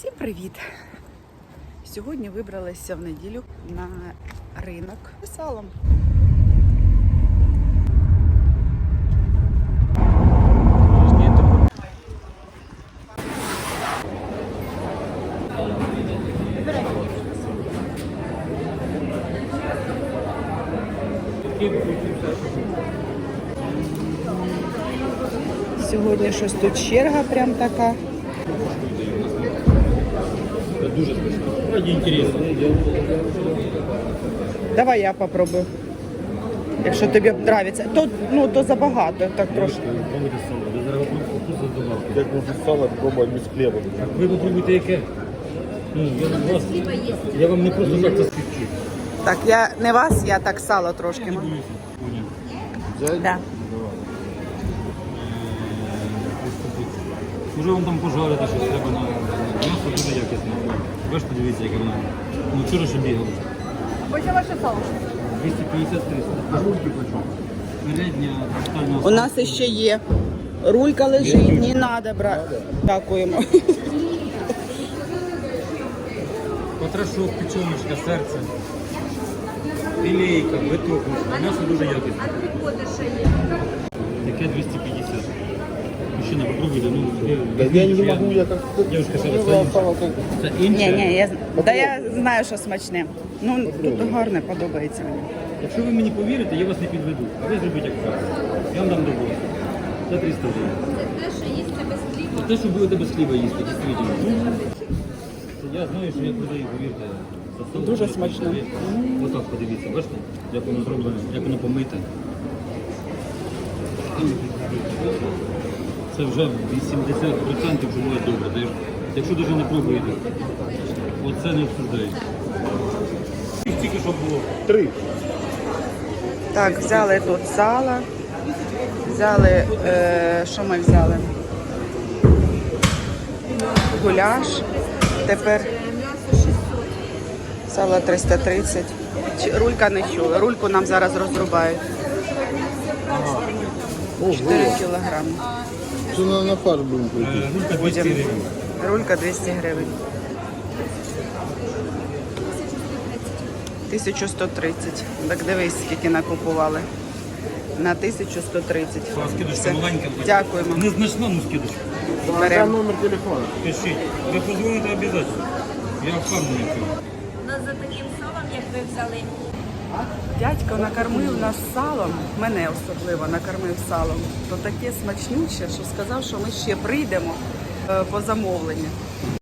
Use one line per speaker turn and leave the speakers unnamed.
Всім привіт! Сьогодні вибралися в неділю на ринок з салом. Сьогодні щось тут черга прям така.
Дуже смачно. Раді інтересно.
Давай я попробую. Якщо тобі подобається. То забагато, так трошки.
Пробуйте сало. Ви зараз вкусно здобавте.
Як можна сало пробувати без хліба?
Ви попробуйте яке? Я вам не просто так це співчу.
Так, я не вас, я так сало трошки.
Не боюся.
Взять?
Да.
Може вам там пожарити, що треба на м'ясо дуже якісне. Бачите, дивіться, яке воно. Ну вчора ще бігало.
Ось ваше сало.
250-300. Жульки почому? Передня, тотальна.
У нас ще є. Рулька лежить, не треба брати. Дякуємо.
Потрошок, печеночка, серце. Філейка, биток. М'ясо дуже якісне. Таке 250. Мужчина, попробуйте.
Да я не могу, я как...
Девушка, що
Мне
це
сало как...
Це інше.
Я знаю, що смачне. Ну, тут гарне, подобається мені.
Якщо ви мені повірите, я вас не підведу. А ви зробіть як правильно. Я вам дам добро. За 300 гривень.
Це те, що їсти без хліба.
Це те, що будете без хліба їсти, дійсно. Я знаю, що я продаю, повірте. за село.
Дуже смачно.
Отак подивіться, бачите, як воно зроблено, як воно помите. Це вже 80% вже буде добре. Якщо навіть не пробуєте, оце не обсуждається. Тільки що було.
3.
Так, взяли тут сало. Взяли, що ми взяли? Гуляш. Тепер сало 330. Рулька не чула. Рульку нам зараз розрубають. 4 кілограми.
Что на фарш будем пойти?
Рулька 200 гривень.
Рулька 200 гривень. 1130. Так дивись, скільки накупували. На 1130.
Скидочка
Все.
маленька.
Дякуємо.
Незначна, ну скидочка.
Беремо.
Номер телефона.
Пишіть. Ви позвоните обов'язково. Я впевнений в цьому.
Ну, за таким салом, як ви взяли.
Дядько накормив нас салом, мене особливо накормив салом. То таке смачнюче, що сказав, що ми ще прийдемо по замовленню.